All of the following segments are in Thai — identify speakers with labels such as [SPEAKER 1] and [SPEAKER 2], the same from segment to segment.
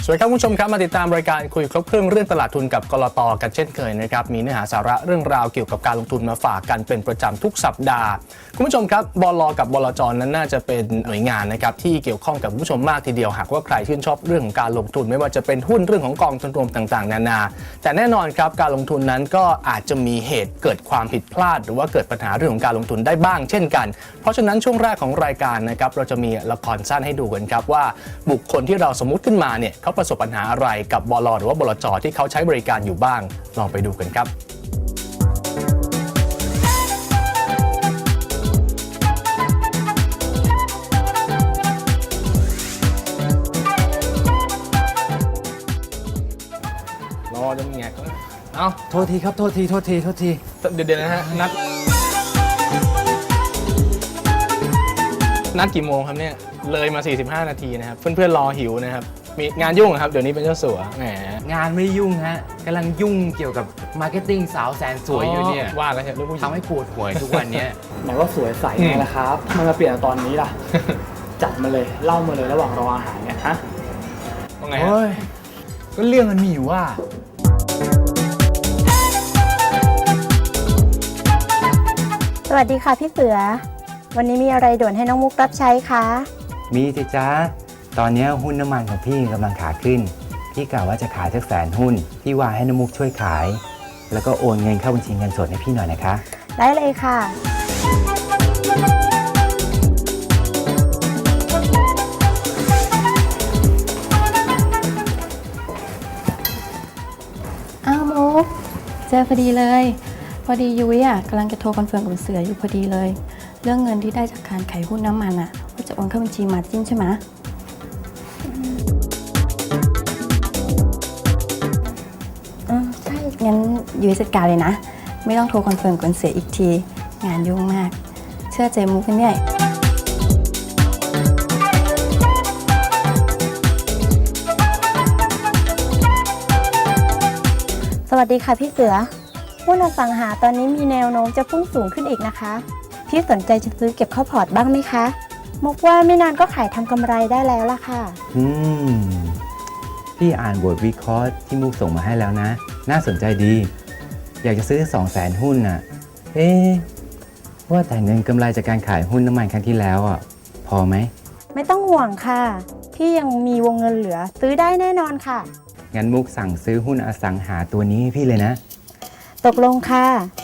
[SPEAKER 1] วัสดีครับคุณผู้ชมครับมาติดตามรายการคุยครบเครื่องเรื่องตลาดทุนกับกลต.กันเช่นเคยนะครับมีเนื้อหาสาระเรื่องราวเกี่ยวกับการลงทุนมาฝากกันเป็นประจำทุกสัปดาห์คุณผู้ชมครับบล.กับบลจ.นั้นน่าจะเป็นหน่วยงานนะครับที่เกี่ยวข้องกับคุณผู้ชมมากทีเดียวหากว่าใครชื่นชอบเรื่องของการลงทุนไม่ว่าจะเป็นหุ้นเรื่องของกองทุนรวมต่างๆนานาแต่แน่นอนครับการลงทุนนั้นก็อาจจะมีเหตุเกิดความผิดพลาดหรือว่าเกิดปัญหาเรื่องของการลงทุนได้บ้างเช่นกันเพราะฉะนั้นช่วงแรกของรายการนะครับเราจะมีละครสั้นให้ดูกันครับว่าบุคคลที่เราสมมุติขึ้นมาเนี่ยเขาประสบปัญหาอะไรกับบล.หรือว่าบลจ.ที่เขาใช้บริการอยู่บ้างลองไปดูกันครับรอจะมีไงก็เอา
[SPEAKER 2] โทษทีครับโทษที
[SPEAKER 1] เดี๋ยวนะฮะนัดกี่โมงครับเนี่ยเลยมา45นาทีนะครับเพื่อนๆรอหิวนะครับมีงานยุ่งครับเดี๋ยวนี้เป็นเจ้าสัวแหม
[SPEAKER 2] งานไม่ยุ่งฮะกำลังยุ่งเกี่ยวกับมาร์เก็ตติ้งสาวแสนสวยอยู่เนี่ย
[SPEAKER 1] ว่าแล้วใช่ลูกผู้หญิง
[SPEAKER 2] ทำให้ปวดหัวทุกวันนี้
[SPEAKER 3] ไหนว่าสวยใสไงล่ะครับมันมาเปลี่ยนตอนนี้ล่ะ จัดมาเลยเล่ามาเลยระหว่างรออาหารเนี่ยฮะ
[SPEAKER 1] ว่าไงฮะ
[SPEAKER 2] ก็เรื่องมันมีอยู่ว่า
[SPEAKER 4] สวัสดีค่ะพี่เสือวันนี้มีอะไรด่วนให้น้องมุกรับใช้คะ
[SPEAKER 5] มีสิจ๊ะตอนนี้หุ้นน้ำมันของพี่กำลังขาขึ้นพี่กล่าวว่าจะขายสัก100,000 หุ้นพี่ว่าให้น้ำมุกช่วยขายแล้วก็โอนเงินเข้าบัญชีเงินสดให้พี่หน่อยนะคะ
[SPEAKER 4] ได้เลยค่ะ
[SPEAKER 6] อ้าวมุกเจอพอดีเลยพอดียุ้ยกำลังจะโทรคอนเฟิร์มกับเสืออยู่พอดีเลยเรื่องเงินที่ได้จากการขายหุ้นน้ำมันว่าจะโอนเข้าบัญชีมาร์จิ้นใช่ไหม
[SPEAKER 4] ใช่
[SPEAKER 6] งั้นยุ้ยจัดการเลยนะไม่ต้องโทรคอนเฟิร์มกับเสืออีกทีงานยุ่งมากเชื่อใจมุกกันเนี่ย
[SPEAKER 4] สวัสดีค่ะพี่เสือหุ้นอสังหาตอนนี้มีแนวโน้มจะพุ่งสูงขึ้นอีกนะคะพี่สนใจจะซื้อเก็บเข้าพอร์ตบ้างไหมคะมุกว่าไม่นานก็ขายทำกำไรได้แล้วล่ะค่ะ
[SPEAKER 5] พี่อ่านบทวิเคราะห์ที่มุกส่งมาให้แล้วนะน่าสนใจดีอยากจะซื้อ200,000 หุ้นน่ะว่าแต่เงินกำไรจากการขายหุ้นน้ำมันครั้งที่แล้วพอไหม
[SPEAKER 4] ไม่ต้องห่วงค่ะพี่ยังมีวงเงินเหลือซื้อได้แน่นอนค่ะ
[SPEAKER 5] งั้นมุกสั่งซื้อหุ้นอสังหาตัวนี้ให้พี่เลยนะ
[SPEAKER 4] ตกลงค่ะ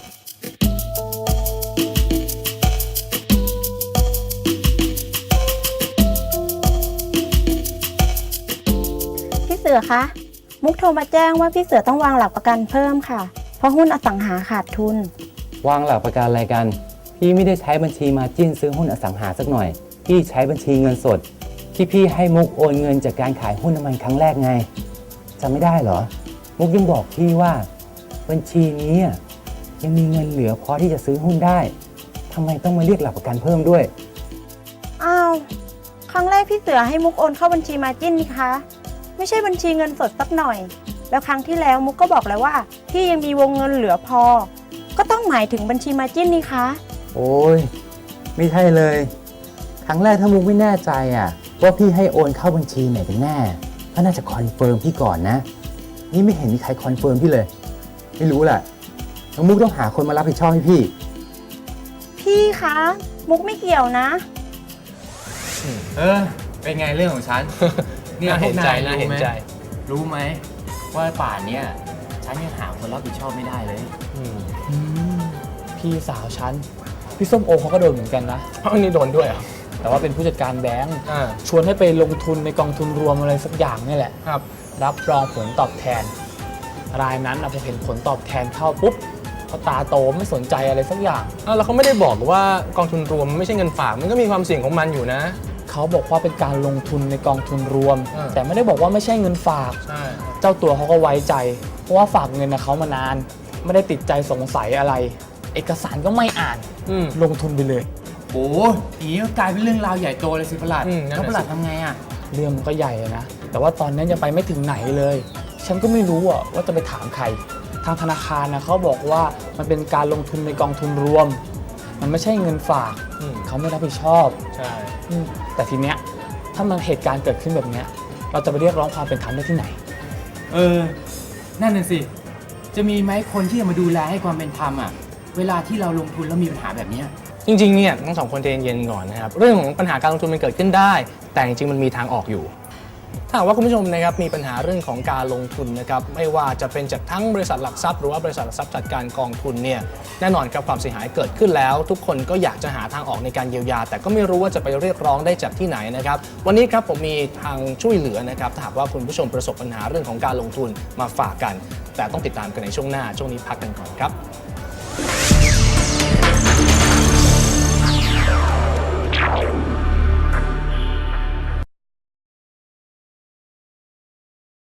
[SPEAKER 4] พี่เสือคะมุกโทรมาแจ้งว่าพี่เสือต้องวางหลักประกันเพิ่มค่ะเพราะหุ้นอสังหาขาดทุน
[SPEAKER 5] วางหลักประกันอะไรกันพี่ไม่ได้ใช้บัญชีมาจิ้นซื้อหุ้นอสังหาสักหน่อยพี่ใช้บัญชีเงินสดที่พี่ให้มุกโอนเงินจากการขายหุ้นน้ำมันครั้งแรกไงจำไม่ได้เหรอมุกยังบอกพี่ว่าบัญชีนี้ยังมีเงินเหลือพอที่จะซื้อหุ้นได้ทำไมต้องมาเรียกหลักประกันเพิ่มด้วย
[SPEAKER 4] อ้าวครั้งแรกพี่เสือให้มุกโอนเข้าบัญชีมาจิ้นนี่คะไม่ใช่บัญชีเงินสดสักหน่อยแล้วครั้งที่แล้วมุกก็บอกแล้วว่าพี่ยังมีวงเงินเหลือพอก็ต้องหมายถึงบัญชีมาจิ้นนี่คะ
[SPEAKER 5] โอ้ยไม่ใช่เลยครั้งแรกถ้ามุกไม่แน่ใจว่าพี่ให้โอนเข้าบัญชีไหนกันแน่ก็น่าจะคอนเฟิร์มพี่ก่อนนะนี่ไม่เห็นมีใครคอนเฟิร์มพี่เลยไม่รู้แหละน้องมุกต้องหาคนมารับผิดชอบให้
[SPEAKER 4] พี่คะมุกไม่เกี่ยวนะ
[SPEAKER 2] เป็นไงเรื่องของฉัน
[SPEAKER 1] เนี่ยเห็นใจนะเห็นใจ
[SPEAKER 2] รู้ไหมว่าป่านเนี่ยฉันยังหาคนรับผิดชอบไม่ได้เลย
[SPEAKER 3] พี่สาวฉันพี่ส้มโอเขาก็โดนเหมือนกันนะ
[SPEAKER 1] นี่โดนด้วย
[SPEAKER 3] แต่ว่าเป็นผู้จัดการแบงก์ชวนให้ไปลงทุนในกองทุนรวมอะไรสักอย่างนี่แหละ
[SPEAKER 1] ครับ
[SPEAKER 3] รับรองผลตอบแทนรายนั้นพอเห็นผลตอบแทนเข้าปุ๊บเขาตาโตไม่สนใจอะไรสักอย่าง
[SPEAKER 1] แล้วเขาไม่ได้บอกว่ากองทุนรวมไม่ใช่เงินฝากมันก็มีความเสี่ยงของมันอยู่นะ
[SPEAKER 3] เขาบอกว่าเป็นการลงทุนในกองทุนรวมแต่ไม่ได้บอกว่าไม่ใช่เงินฝากเจ้าตัวเขาก็ไว้ใจเพราะว่าฝากเงินเขามานานไม่ได้ติดใจสงสัยอะไรเอกสารก็ไม่อ่านลงทุนไปเลย
[SPEAKER 2] โอ้ยก็กลายเป็นเรื่องราวใหญ่โตเลยสิประหลัดแล้วประหลัดทำไง
[SPEAKER 3] เรื่องมันก็ใหญ่นะแต่ว่าตอนนั้นยังไปไม่ถึงไหนเลยฉันก็ไม่รู้ว่าจะไปถามใครทางธนาคารเขาบอกว่ามันเป็นการลงทุนในกองทุนรวมมันไม่ใช่เงินฝากเขาไม่รับผิดชอบ
[SPEAKER 1] ใช่
[SPEAKER 3] แต่ทีเนี้ยถ้ามันเหตุการณ์เกิดขึ้นแบบเนี้ยเราจะไปเรียกร้องความเป็นธรรมได้ที่ไหน
[SPEAKER 2] นั่นน่ะสิ จะมีไหมคนที่จะมาดูแลให้ความเป็นธรรมอ่ะ เวลาที่เราลงทุนแล้วมีปัญหาแบบเนี้ย
[SPEAKER 1] จริงๆเนี่ยทั้งสองคนใจเย็นๆก่อนนะครับเรื่องของปัญหาการลงทุนมันเกิดขึ้นได้ แต่จริงๆมันมีทางออกอยู่ถ้าหากว่าคุณผู้ชมนะครับมีปัญหาเรื่องของการลงทุนนะครับไม่ว่าจะเป็นจากทั้งบริษัทหลักทรัพย์หรือว่าบริษัทหลักทรัพย์จัดการกองทุนเนี่ยแน่นอนครับความเสียหายเกิดขึ้นแล้ว ทุกคนก็อยากจะหาทางออกในการเยียวยา แต่ก็ไม่รู้ว่าจะไปเรียกร้องได้จากที่ไหนนะครับวันนี้ครับผมมีทางช่วยเหลือนะครับถ้าหากว่าคุณผู้ชมประสบปัญหาเรื่องของการลงทุนมาฝากกัน แต่ต้องติดตามกันในช่วงหน้าช่วงนี้พักกันก่อนครับ